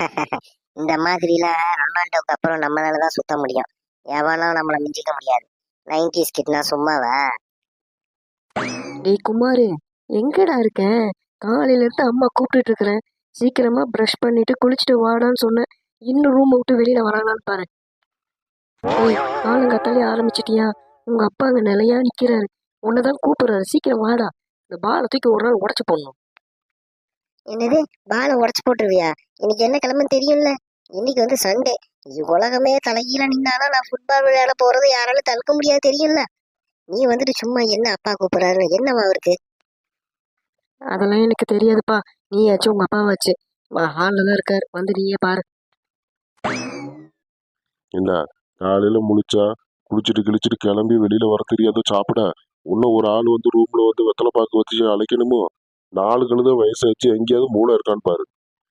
இந்த மாதிரிலாம் ரொனால்டோக்கு அப்புறம் நம்மளாலதான் சுத்த முடியும். எவனும் நம்மளை மிஞ்சிக்க முடியாது. 90s கிட்னா சும்மாவா? டேய் குமாரு, எங்கடா இருக்க? காலையில இருந்து அம்மா கூப்பிட்டுட்டு இருக்கிறேன். சீக்கிரமா ப்ரஷ் பண்ணிட்டு குளிச்சுட்டு வாடான்னு சொன்னேன். இன்னும் ரூம் விட்டு வெளியில வரானான்னு பாரு. ஏய், காலங்காத்தாலே ஆரம்பிச்சிட்டியா? உங்க அப்பா அங்க நிலையா நிக்கிறாரு. உன்னதான் கூப்பிடுறாரு, சீக்கிரம் வாடா. இந்த பாலை தூக்கி ஒரு நாள் உடச்சு போடணும். என்னது, பாலை உடச்சு போட்டுருவியா? இன்னைக்கு என்ன கிழமைன்னு தெரியும்ல? இன்னைக்கு வந்து சண்டே. உலகமே தலைகீழ நின்னாலும் நான் ஃபுட்பால் விளையாட போறது யாராலும் தடுக்க முடியாது, தெரியும்ல? நீ வந்துட்டு சும்மா என்ன அப்பா கூப்பிடுறாரு, என்னவா அவருக்கு? அதெல்லாம் எனக்கு தெரியாதுப்பா. நீயாச்சும் உங்க அப்பாவாச்சு. ஹாலில் தான் இருக்காரு, வந்து நீயே பாரு. என்ன காலையில முழிச்சா குளிச்சுட்டு கிழிச்சிட்டு கிளம்பி வெளியில வர தெரியாத சாப்பிட இன்னும் ஒரு ஆள் வந்து ரூம்ல வந்து வெத்தலை பாக்கு வச்சு அழைக்கணுமோ? 4 கழுத வயசாச்சு, எங்கேயாவது மூளை இருக்கான்னு பாரு.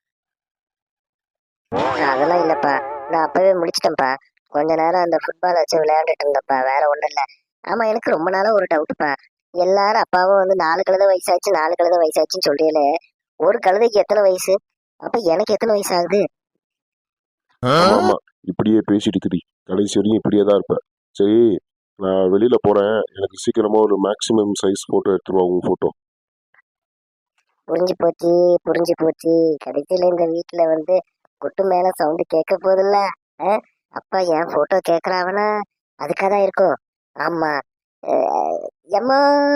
அதெல்லாம் இல்லப்பா, நான் அப்பவே முடிச்சிட்டேன்ப்பா. கொஞ்ச நேரம் அந்த ஃபுட்பால் வச்சு விளையாண்டுட்டு இருந்தப்பா, வேற ஒண்ணும் இல்ல. ஆமா, எனக்கு ரொம்ப நாளா ஒரு டவுட்ப்பா. எல்லாரும் அப்பாவும் வந்து 4 கழுத வயசாச்சு 4 கழுத வயசாச்சுன்னு சொல்றீங்களே, ஒரு கழுதைக்கு எத்தனை வயசு? அப்ப எனக்கு எத்தனை வயசு ஆகுது? ஆமா ஆமா, இப்படியே பேசிட்டு திரி, கடைசி வரையும் இப்படியே தான் இருப்ப. சரி, நான் வெளியில போறேன். எனக்கு சீக்கிரமா ஒரு மேக்ஸிமம் சைஸ் போட்டோ எடுத்துருவா, உங்க போட்டோ. புரிஞ்சு போச்சு, புரிஞ்சு போச்சு. கடைசியில இந்த வீட்டுல வந்து குட்டு மேல சவுண்டு கேட்க போதில்ல. அப்பா என் போட்டோ கேக்குறாவனா? அதுக்காதான் இருக்கும். ஆமா. எம்மா.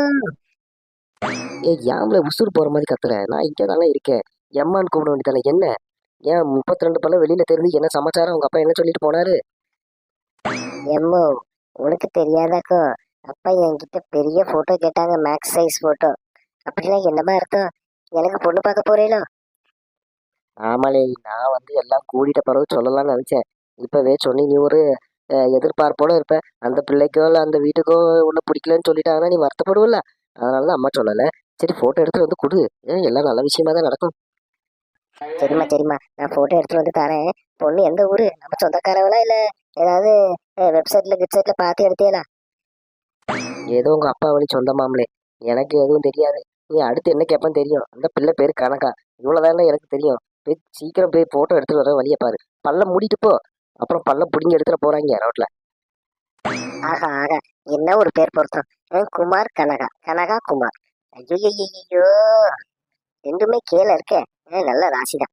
ஏய், யாம்ல உசுறு போற மாதிரி கத்துற? நான் இங்கே தானே இருக்கேன். எம்மான்னு கூப்பிட வேண்டியதானே என்ன? ஏன் 32 பல்ல வெளியில தெரிஞ்சு என்ன சமாச்சாரம்? உங்க அப்பா என்ன சொல்லிட்டு போனாரு? எம்மோ, உனக்கு தெரியாதாக்கோ? அப்பா என்கிட்ட பெரிய போட்டோ கேட்டாங்க, மேக்ஸ் சைஸ் போட்டோ. அப்படின்னா என்னமா அர்த்தம்? எனக்கு பொண்ணு பார்க்க போறீங்களோ? ஆமாலே, நான் வந்து எல்லாம் கூடிட்ட பிறகு சொல்லலாம்னு நினைச்சேன். இப்பவே சொன்னி நீ ஒரு எதிர்பார்ப்போட இருப்ப. அந்த பிள்ளைக்கோ இல்லை அந்த வீட்டுக்கோ ஒண்ணு பிடிக்கலன்னு சொல்லிட்டாங்கன்னா நீ வருத்தப்படுவல. அதனால தான் அம்மா சொல்லலை. சரி, போட்டோ எடுத்துட்டு வந்து கொடு. எல்லாம் நல்ல விஷயமா தான் நடக்கும். சரிம்மா சரிம்மா, நான் போட்டோ எடுத்துட்டு வந்து தரேன். பொண்ணு எந்த ஊரு? நம்ம சொந்தக்காரவளா இல்ல ஏதாவது வெப்சைட்ல பார்த்து எடுத்தீங்களா? ஏதோ உங்க அப்பா வழி சொந்தமாமலே. எனக்கு எதுவும் தெரியாது. நீ அடுத்து என்ன கேட்பான்னு தெரியும். அந்த பிள்ளை பேரு கனகா. இவ்வளவுதான் எனக்கு தெரியும். போய் சீக்கிரம் போய் போட்டோ எடுத்துட்டு வர வழியை பாரு. பல்ல மூடிட்டு போ. அப்புறம் பல்ல புடிங்கி எடுத்துட்டு போறாங்க ரோட்ல. ஆகா ஆகா, என்ன ஒரு பேர் பொருத்தம். குமார் கனகா, கனகா குமார். ஐயோ, ரெண்டுமே கீழே இருக்கே. நல்ல ராசிதான்.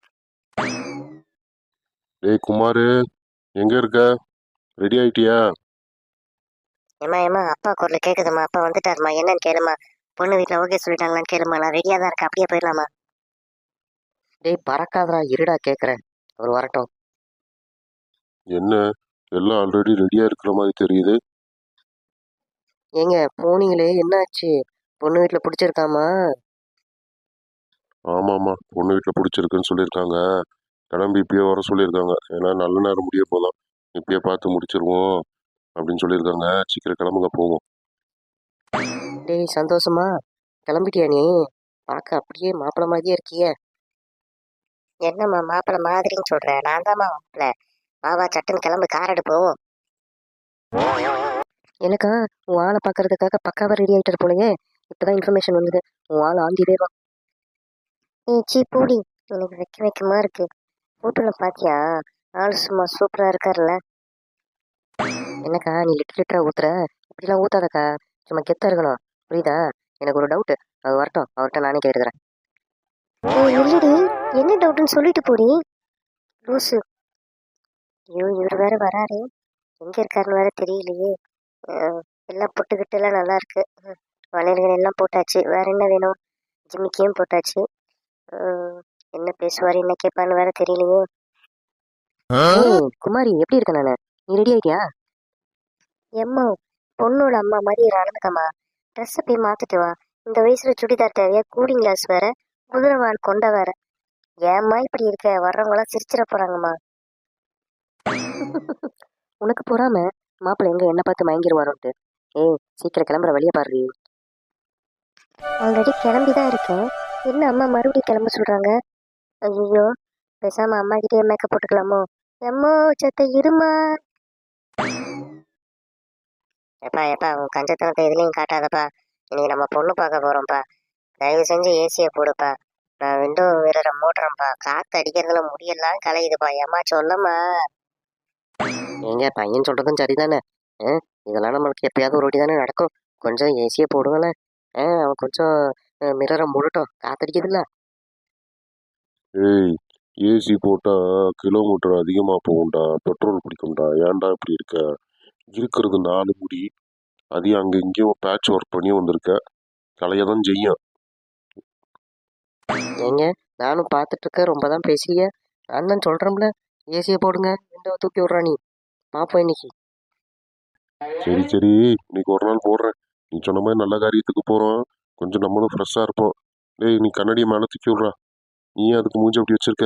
டேய் குமாரு, எங்க இருக்க? ரெடி ஆயிட்டியா? ஏமா ஏமா, அப்பா குரல் கேக்குதுமா. அப்பா வந்துட்டாருமா, என்னன்னு கேளுமா. பொண்ணு வீட்டுல ஓகே சொல்லிட்டாங்களான்னு கேளுமா. நான் ரெடியா தான் இருக்கேன், அப்படியே போயிடலாமா? டேய் பறக்காதடா, இருடா கேக்குறேன். அவர் வரட்டும். என்ன, எல்லாம் ஆல்ரெடி ரெடியா இருக்கிற மாதிரி தெரியுது. ஏங்க போனீங்களே, என்னாச்சு? பொண்ணு வீட்டுல பிடிச்சிருக்காமா? ஆமாமா, பொண்ணு வீட்டுல பிடிச்சிருக்குன்னு சொல்லியிருக்காங்க. கிளம்பி இப்பயே வர சொல்லியிருக்காங்க. ஏன்னா நல்ல நேரம் முடிய போதான், இப்பயே பார்த்து முடிச்சிருவோம் அப்படின்னு சொல்லியிருக்காங்க. சீக்கிரம் கிளம்புங்க, போவோம். டேய் சந்தோஷமா, கிளம்பிட்டியா நீ? பார்க்க அப்படியே மாப்பிள மாதிரியே இருக்கியே. என்னம்மா மாப்பிள்ள மாதிரின்னு சொல்றேன்? நான் தான்மா மாப்பிள்ள. வா சட்டுன்னு கிளம்பு, கார் எடு போவோம். எனக்கா உன் ஆளை பார்க்கறதுக்காக பக்காவா ரெடி ஆயிட்டாரு போலயே. இப்பதான் இன்ஃபர்மேஷன் வந்தது. உன் ஆள் ஆந்திலே தான். சீ பூடி, எனக்கு வைக்கமா இருக்கு. போட்டோல பாத்தியா? ஆளு சும்மா சூப்பரா இருக்காருல்ல. என்னக்கா நீ லிட்டர் லிட்டரா ஊத்துற? இப்படிலாம் ஊத்தாதக்கா. சும்மா கெத்தா இருக்கணும், புரியுதா? எனக்கு ஒரு டவுட், அது வரட்டும், அவர்கிட்ட நானே கேட்டுக்கிறேன். இல்லடி, என்ன டவுட்னு சொல்லிட்டு போடி லூசு. ஐயோ, இவர் வேற வராரு. எங்க இருக்காருன்னு வேற தெரியலையே. எல்லாம் பொட்டுக்கிட்டு எல்லாம் நல்லா இருக்கு. வளையல்கள் எல்லாம் போட்டாச்சு, வேற என்ன வேணும்? ஜிமிக்கியும் போட்டாச்சு. என்ன பேசுவாரு, என்ன கேட்பான்னு வேற தெரியலையே. குமாரி, எப்படி இருக்க நானு? நீ ரெடி ஆயிட்டியா? எம்மா, பொண்ணோட அம்மா மாதிரி நடந்துக்கம்மா. ட்ரெஸ்ஸை போய் மாத்திட்டு வா. இந்த வயசுல சுடிதார் தேவையா? கூலிங் கிளாஸ் வேற, குதிரைவால் கொண்ட வேற. ஏம்மா இப்படி இருக்க? வர்றவங்க எல்லாம் சிரிச்சிட போறாங்கம்மா. உனக்கு பொறாம, மாப்பிள்ளை எங்க என்ன பார்த்து மயங்கிருவாரோன்ட்டு. ஏய், சீக்கிரம் கிளம்புற வழியை பாரு. ஆல்ரெடி கிளம்பிதான் இருக்கேன். என்ன அம்மா மறுபடியும் கிளம்ப சொல்றாங்க? ஐயோ, பேசாம அம்மா கிட்டே மேக்கப் போட்டுக்கலாமோ? எம்மோ சத்த இருமா. எப்பா எப்பா, உன் கஞ்சத்தனத்தை எதுலையும் காட்டாதப்பா. இன்னைக்கு நம்ம பொண்ணு பார்க்க போறோம்ப்பா. தயவு செஞ்சு ஏசியை போடுப்பா. நான் விண்டோ வேற மூடுறேன்ப்பா, காத்து அடிக்கிறதுல முடியெல்லாம் கலையுதுப்பா, ஏம்மா சொல்லம்மா. ஏங்க பையன் சொல்றதும் சரிதானே. இதெல்லாம் நம்மளுக்கு எப்பயாவது ஒரு வாட்டி தானே நடக்கும். கொஞ்சம் ஏசியை போடுங்களேன். அவன் கொஞ்சம் மிரரை மூடட்டும், காத்தடிக்குதுல்ல. ஏய், ஏசி போட்டா கிலோமீட்டர் அதிகமா போகும்டா, பெட்ரோல் பிடிக்கும்டா. ஏன்டா இப்படி இருக்க? இருக்கிறது 4 முடி, அதையும் அங்க இங்கேயும் பேட்ச் ஒர்க் பண்ணி வந்திருக்க, கலையதான் செய்யும். ஏங்க நானும் பார்த்துட்டு இருக்கேன், ரொம்ப தான் பேசுறீங்க. நான் தான் சொல்றேன்ல, ஏசியை போடுங்க, விண்டோவை தூக்கி விட்றா நீ. பார்ப்போம் இன்னைக்கு. சரி சரி, இன்னைக்கு ஒரு நாள் போடுறேன். நீ சொன்ன மாதிரி நல்ல காரியத்துக்கு போறோம், கொஞ்சம் நம்மளும் ஃப்ரெஷ்ஷா இருப்போம். டேய், நீ கண்ணாடியை மேலே தூக்கி விட்றா. நீ அதுக்கு மூஞ்சி அப்படி வச்சிருக்க?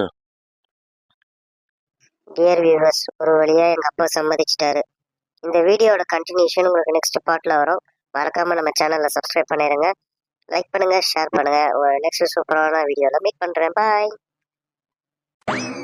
டியர் வியூவர்ஸ், ஒரு வழியா எங்க அப்பா சம்மதிச்சிட்டாரு. இந்த வீடியோட கண்டினியூஷன் உங்களுக்கு நெக்ஸ்ட் பார்ட்ல வரும். மறக்காம நம்ம சேனலை சப்ஸ்கிரைப் பண்ணிடுங்க, லைக் பண்ணுங்க, ஷேர் பண்ணுங்க. நெக்ஸ்ட் சூப்பரான வீடியோல மீட் பண்றேன். பாய்.